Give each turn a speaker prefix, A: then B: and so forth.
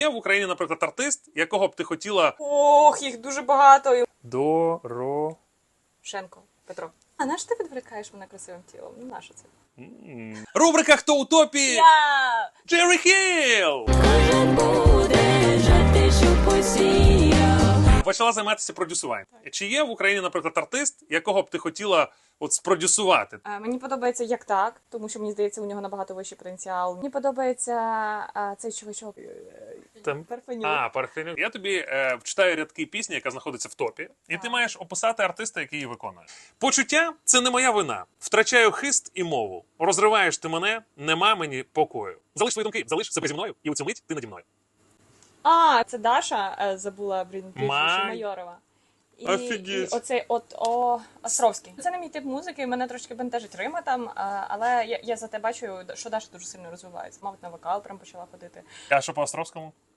A: Є в Україні, наприклад, артист, якого б ти хотіла...
B: Ох, їх дуже багато.
A: Шенко.
B: Петро. А на що ти відволікаєш мене красивим тілом? Ну, на що це?
A: Рубрика «Хто у топі?»
B: Я!
A: Джері Хілл!
C: Кожен буде жати, що посіяв.
A: Почала займатися продюсуванням. Чи є в Україні, наприклад, артист, якого б ти хотіла от спродюсувати?
B: Мені подобається як так, тому що мені здається, у нього набагато вищий потенціал. Мені подобається цей чувачок. Парфенюк.
A: Парфенюк. Я тобі вчитаю рядки пісні, яка знаходиться в топі, і ти маєш описати артиста, який її виконує. Почуття – це не моя вина. Втрачаю хист і мову. Розриваєш ти мене, нема мені покою. Залиш свої думки, залиш себе зі мною, і у цю мить ти наді мною.
B: Це Даша, забула, прізвище Майорова.
A: Офігеть.
B: І оцей Островський. Це не мій тип музики, мене трошки бентежить Рима там, але я за те бачу, що Даша дуже сильно розвивається. Мабуть, на вокал прям почала ходити.
A: А що по Островському?